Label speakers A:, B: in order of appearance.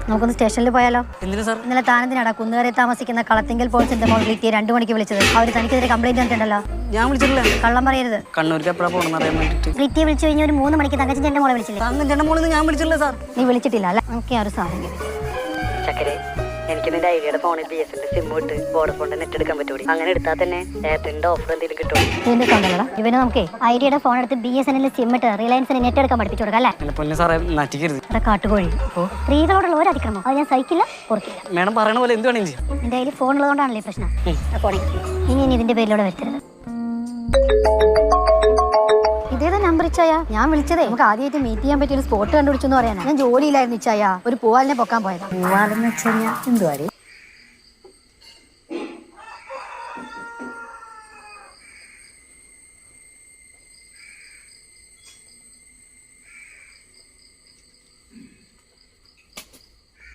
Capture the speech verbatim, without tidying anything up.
A: നമുക്കൊന്ന് സ്റ്റേഷനിൽ പോയാലോ?
B: എന്തിനാ സാർ?
A: ഇന്നലെ താനെന്തിനാടാ കുന്നുകരെ താമസിക്കുന്ന കളത്തിങ്കൽ പോലീസിന്റെ മോൾ ഗ്ലിറ്റിയെ രണ്ടു മണിക്ക് വിളിച്ചത്? അവർ തനിക്കെതിരെ കംപ്ലൈന്റ് തന്നിട്ടുണ്ടല്ലോ.
B: ഞാൻ വിളിച്ചിട്ടില്ല.
A: കള്ളം പറയരുത്.
B: കണ്ണൂർക്ക് എപ്പോഴാ പോകണമെന്ന് അറിയാൻ വേണ്ടിട്ട്
A: ഗ്ലിറ്റിയെ വിളിച്ചു കഴിഞ്ഞ ഒരു മൂന്ന് മണിക്ക് തങ്കച്ചന്റെ മോളെ വിളിച്ചില്ലേ?
B: തങ്കച്ചന്റെ മോളെന്ന് ഞാൻ വിളിച്ചിട്ടില്ല സാർ.
A: നീ വിളിച്ചിട്ടില്ല അല്ല? നമുക്ക് ആ ഒരു സാധനം
C: ചക്കരെ, എനിക്ക് നിന്റെ ഐഡിയയുടെ ഫോണിൽ ബി എസ് എന്റെ സിം ഇട്ട് വോഡഫോണിന്റെ നെറ്റ് എടുക്കാൻ പറ്റൂടി. അങ്ങനെ എടുത്താൽ തന്നെ എയർടെലിന്റെ ഓഫർ എന്തെങ്കിലും കിട്ടും.
A: ഇതിന്റെ കണ്ടല്ലടാ ഇവന് നമുക്ക് ഐഡിയയുടെ ഫോൺ എടുത്ത് ബി എസ് എൻ സിം ഇട്ട് റിലയൻസിന് നെറ്റ് എടുക്കാൻ പഠിപ്പിച്ചു കൊടുക്കാം അല്ലേ?
B: എന്നെ പൊന്നെ സാറേ നറ്റിക്കരുത്.
A: ഇവിടെ കാട്ടുകോഴി. അപ്പോ സ്ത്രീകളോടുള്ള ഒരു അതിക്രമം അത് ഞാൻ സഹിക്കില്ല, ഓർക്കില്ല.
B: മേഡം പറയണ പോലെ എന്ത് വേണമെങ്കിലും ചെയ്യാം.
A: നിന്റെ കയ്യിൽ ഫോൺ ഉള്ളതുകൊണ്ടാണല്ലേ ഈ പ്രശ്നം. ഫോണേ ഇനി ഇനി ഇതിന്റെ പേരിലൂടെ വരുത്തരുത്. ഇതേതാ നമ്പർ ഇച്ചായ? ഞാൻ വിളിച്ചതേ നമുക്ക് ആദ്യമായിട്ട് മീറ്റ് ചെയ്യാൻ പറ്റിയ ഒരു സ്പോട്ട് കണ്ടുപിടിച്ചെന്ന് പറയാനാ. ഞാൻ ജോലിയിലായിരുന്നു ഇച്ചായ, ഒരു പൂവാലിനെ പൊക്കാൻ പോയതാ.
C: പൂവാലെന്ന് വെച്ച് കഴിഞ്ഞാൽ എന്തുവാടി?